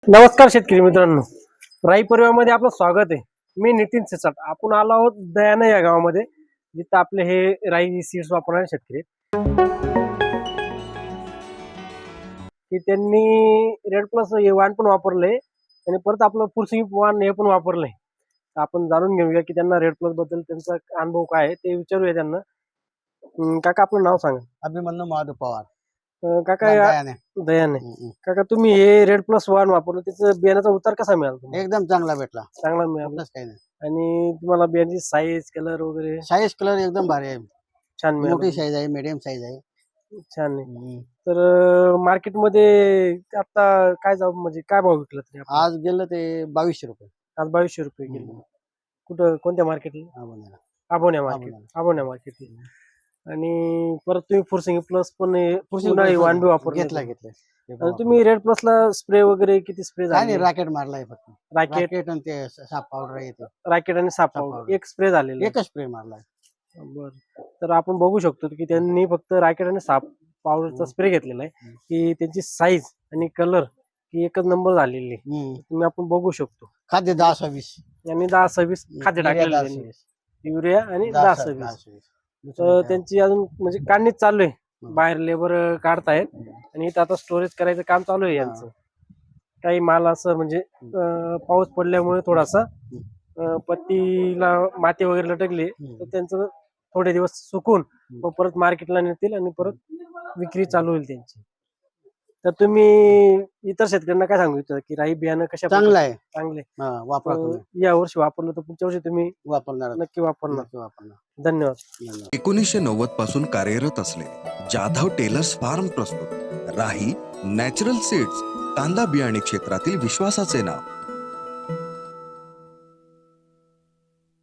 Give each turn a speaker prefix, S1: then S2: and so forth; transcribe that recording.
S1: नमस्कार शेतकरी मित्रांनो, राई परिवारामध्ये आपलं स्वागत आहे. मी नितीन सिसाट. आपण आलो आहोत दयाना या गावामध्ये, जिथं आपले हे राई सीड्स वापरणारे शेतकरी की त्यांनी रेड प्लस हे वाण पण वापरलंय आणि परत आपलं पुरसिंग वाण हे पण वापरलंय. आपण जाणून घेऊया की त्यांना रेड प्लस बद्दल त्यांचा अनुभव काय आहे ते विचारूया त्यांना. काका आपलं नाव सांगा.
S2: अभिमन्यू महादेव पवार.
S1: काका
S2: दयाने.
S1: दयाने. काका तुम्ही हे रेड प्लस वाण वापरलं, त्याचं बियाण्याचा उतार कसा मिळाला तुम्हाला?
S2: एकदम चांगला भेटला.
S1: चांगला मिळाला.
S2: कुठलंच काही नाही.
S1: आणि तुम्हाला बियाण्याची साईज कलर वगैरे
S2: साईज कलर एकदम भारी आहे.
S1: छान मिळाला.
S2: मोठी साईज आहे, मीडियम साईज आहे.
S1: छान आहे. तर मार्केटमध्ये आता काय जाऊ म्हणजे काय भाव विकला तरी आपण?
S2: आज गेलं ते 2200 रुपये.
S1: आज 2200 रुपये गेले. कुठं कोणत्या मार्केटला? आबोण्या मार्केट. आबोण्या मार्केट. आणि परत तुम्ही फुरसिंग प्लस पण उन्हाळी वाण वापरलं.
S2: घेतलं.
S1: आणि तुम्ही रेड प्लस ला स्प्रे वगैरे किती स्प्रे
S2: काय
S1: झाले?
S2: नाही, रॅकेट मारलाय फक्त.
S1: रॅकेट
S2: आणि ते साप पावडर येते.
S1: रॅकेट आणि साप
S2: साप
S1: पावडर
S2: पावडर.
S1: एक स्प्रे झालेला.
S2: एकच स्प्रे मारलाय.
S1: बर. तर आपण बघू शकतो की त्यांनी फक्त रॅकेट आणि साप पावडरचा स्प्रे घेतलेला आहे. की त्यांची साईज आणि कलर ही एकच नंबर झालेली आहे. तुम्ही आपण बघू शकतो.
S2: खाद्य 10-20
S1: यांनी 10-20 खाद्य टाकलेलं आहे. युरिया आणि 10-20. तर त्यांची अजून म्हणजे काढणीच चालू आहे. बाहेर लेबर काढतायत आणि इथं आता स्टोरेज करायचं काम चालू आहे यांचं. काही माल असं म्हणजे पाऊस पडल्यामुळे थोडासा पत्तीला माती वगैरे लटकली, तर त्यांचं थोडे दिवस सुकून मग परत मार्केटला नेतील आणि परत विक्री चालू होईल त्यांची. तर तुम्ही इतर शेतकऱ्यांना काय सांगू इच्छिता की राई बियाणं कशा
S2: चांगलं आहे.
S1: चांगले
S2: वापरा.
S1: या वर्षी वापरलं तर पुढच्या वर्षी तुम्ही
S2: वापरणार.
S1: नक्की वापरणार. धन्यवाद.
S3: 1990 पासून कार्यरत असलेले जाधव टेलर्स फार्म प्रस्तुत राही नॅचरल सीड्स, कांदा बियाणे क्षेत्रातील विश्वासाचे नाव.